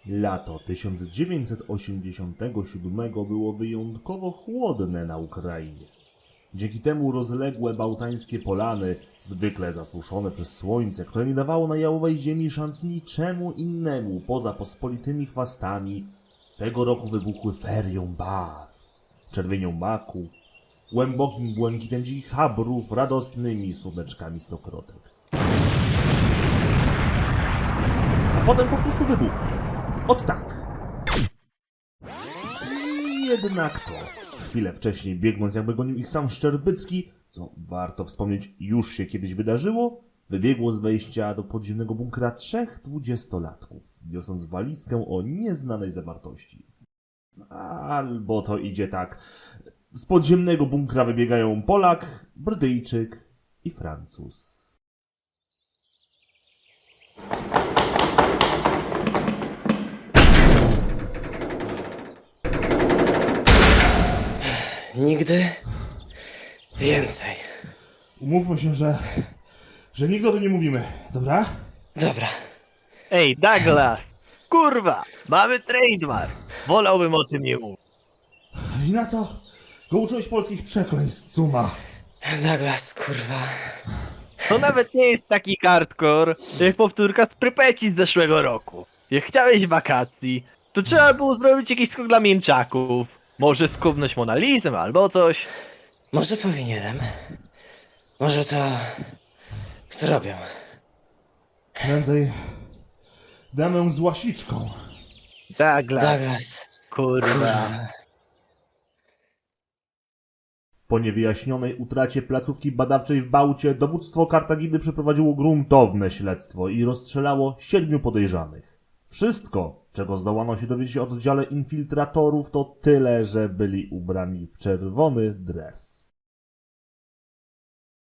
Lato 1987 było wyjątkowo chłodne na Ukrainie. Dzięki temu rozległe bałtańskie polany, zwykle zasuszone przez słońce, które nie dawało na jałowej ziemi szans niczemu innemu poza pospolitymi chwastami, tego roku wybuchły ferią barw, czerwienią maku, głębokim błękitem dzikich chabrów, radosnymi słoneczkami stokrotek. A potem po prostu wybuchł. Ot tak. I jednak to. Chwilę wcześniej, biegnąc jakby gonił ich sam Szczerbycki, co warto wspomnieć już się kiedyś wydarzyło, wybiegło z wejścia do podziemnego bunkra 3 dwudziestolatków, niosąc walizkę o nieznanej zawartości. Albo to idzie tak. Z podziemnego bunkra wybiegają Polak, Brytyjczyk i Francuz. Nigdy więcej. Umówmy się, że nigdy o tym nie mówimy, dobra? Dobra. Ej, Douglas! Kurwa! Mamy trademark! Wolałbym o tym nie mówić. I na co go uczyłeś polskich przekleństw, Cuma? Douglas, kurwa. To nawet nie jest taki hardcore, jak powtórka z Prypeci z zeszłego roku. Jak chciałeś wakacji, to trzeba było zrobić jakiś skok dla mięczaków. Może skubnąć Monalizem albo coś. Może powinienem. Może to zrobię. Prędzej damę z łasiczką. Douglas, Douglas. kurwa. Kurwa. Po niewyjaśnionej utracie placówki badawczej w Bałcie dowództwo Kartaginy przeprowadziło gruntowne śledztwo i rozstrzelało 7 podejrzanych. Wszystko, czego zdołano się dowiedzieć o oddziale infiltratorów, to tyle, że byli ubrani w czerwony dres.